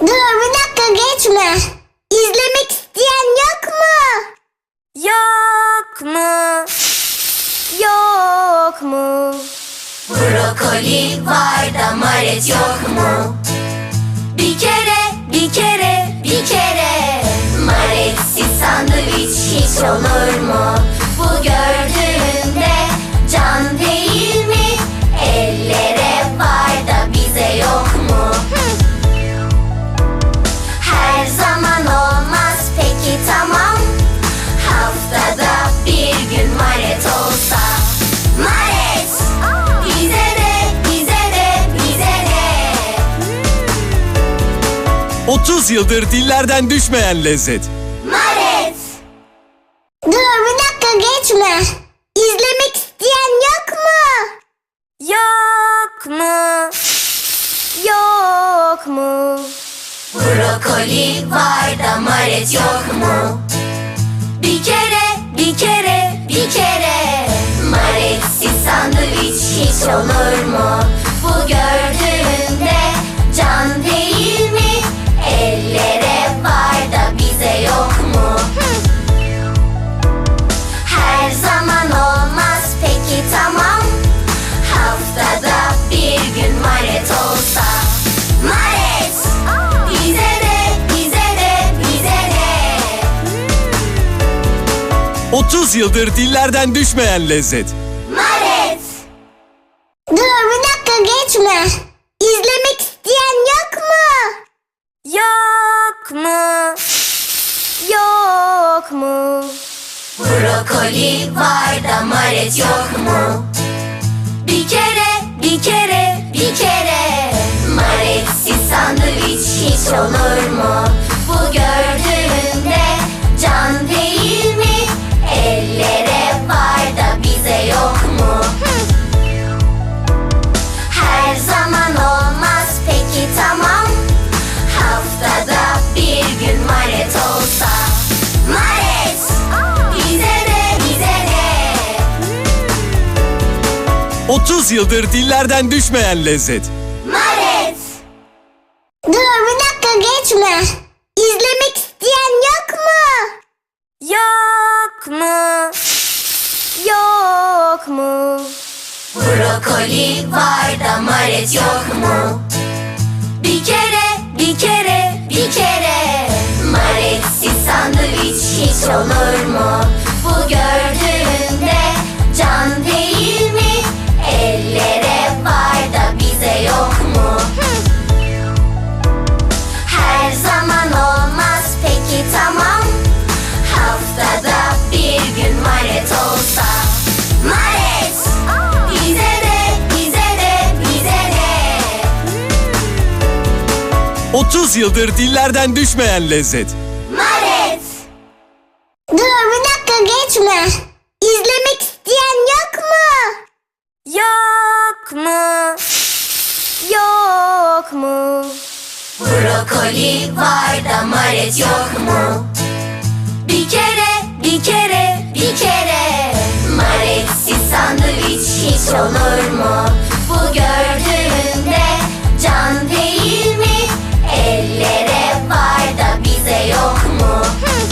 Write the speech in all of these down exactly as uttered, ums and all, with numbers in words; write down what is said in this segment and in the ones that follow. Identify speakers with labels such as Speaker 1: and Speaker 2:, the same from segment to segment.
Speaker 1: Dur bir dakika geçme. İzlemek isteyen yok mu?
Speaker 2: Yok mu? Yok mu?
Speaker 3: Brokoli var da maret yok mu? Bir kere, bir kere, bir kere maretsiz sandviç hiç olur mu? Bu gördüğünde can değil mi? Ellere var da bize yok mu? Her zaman olmaz peki tamam. Haftada bir gün maret olsa. Maret! Bize de, bize de, bize de.
Speaker 4: otuz yıldır dillerden düşmeyen lezzet.
Speaker 3: Maret!
Speaker 1: Dur bir dakika geçme. İzlemek isteyen yok mu?
Speaker 2: Yok mu? Yok mu?
Speaker 3: Brokoli var da maret yok mu? Bir kere, bir kere, bir kere maretsiz sandviç hiç olur mu? Bu gördüğünde can değil mi? Ellere var da bize yok mu? Her zaman olmaz peki tamam. Haftada bir gün maret olsa. Maret! Bize de, bize de, bize de.
Speaker 4: otuz yıldır dillerden düşmeyen lezzet.
Speaker 3: Maret!
Speaker 1: Dur bir dakika geçme. İzlemek isteyen yok mu?
Speaker 2: Yok mu? Yok mu?
Speaker 3: Brokoli var da maret yok mu? Bir kere, bir kere, bir kere maretsiz sandviç hiç olur mu? Bu gördüğünde can değil mi? Ellere var da bize yok mu? Her zaman olmaz peki tamam. Haftada bir gün maret olsa. Maret! Bize de, bize de.
Speaker 4: otuz yıldır dillerden düşmeyen lezzet.
Speaker 3: Maret!
Speaker 1: Dur bir dakika geçme. İzlemek isteyen yok mu?
Speaker 2: Yok mu? Yok mu?
Speaker 3: Brokoli var da maret yok mu? Bir kere, bir kere, bir kere maretsiz sandviç hiç olur mu? Bu gördüğünde can değil mi? Ellere var da bize yok mu? Her zaman olmaz peki tamam. Haftada bir gün maret olsa. Maret! Bize de, bize de, bize de.
Speaker 4: otuz yıldır dillerden düşmeyen lezzet.
Speaker 3: Maret!
Speaker 1: Dur bir dakika geçme. İzlemek isteyen yok mu?
Speaker 2: Yok mu? Yok mu?
Speaker 3: Brokoli var da maret yok mu? Bir kere, bir kere, bir kere maretsiz sandviç hiç olur mu? Bu gördüğünde can değil mi? Ellere var da bize yok mu?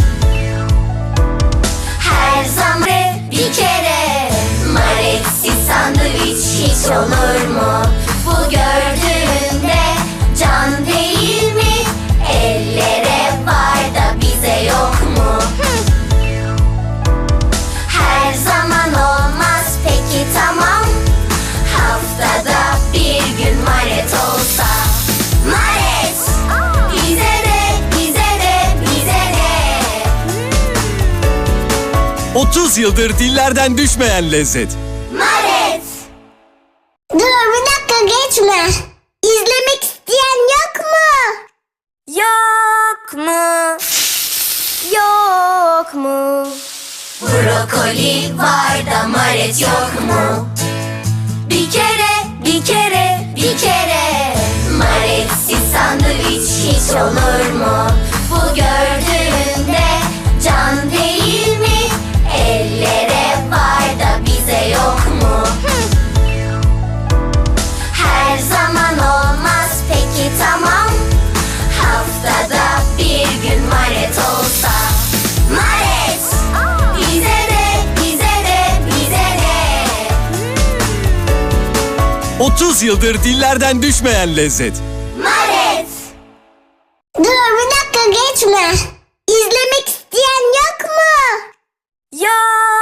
Speaker 3: Her zaman bir kere maretsiz sandviç hiç olur mu? Bu gördüğünde can değil mi? Ellere var da bize yok mu? Her zaman olmaz peki tamam. Haftada bir gün maret olsa. Maret! Bize de, bize de, bize de.
Speaker 4: otuz yıldır dillerden düşmeyen lezzet.
Speaker 3: Maret!
Speaker 1: Dur bir dakika geçme. İzlemek isteyen yok mu?
Speaker 2: Yok mu? Yok mu?
Speaker 3: Brokoli var da maret yok mu? Bir kere, bir kere, bir kere maretsiz sandviç hiç olur mu? Bu gördüğünde can değil mi? Ellere var da bize yok mu? Her zaman olmaz peki tamam. Haftada
Speaker 4: otuz yıldır dillerden düşmeyen lezzet.
Speaker 3: Maret.
Speaker 1: Dur bir dakika geçme.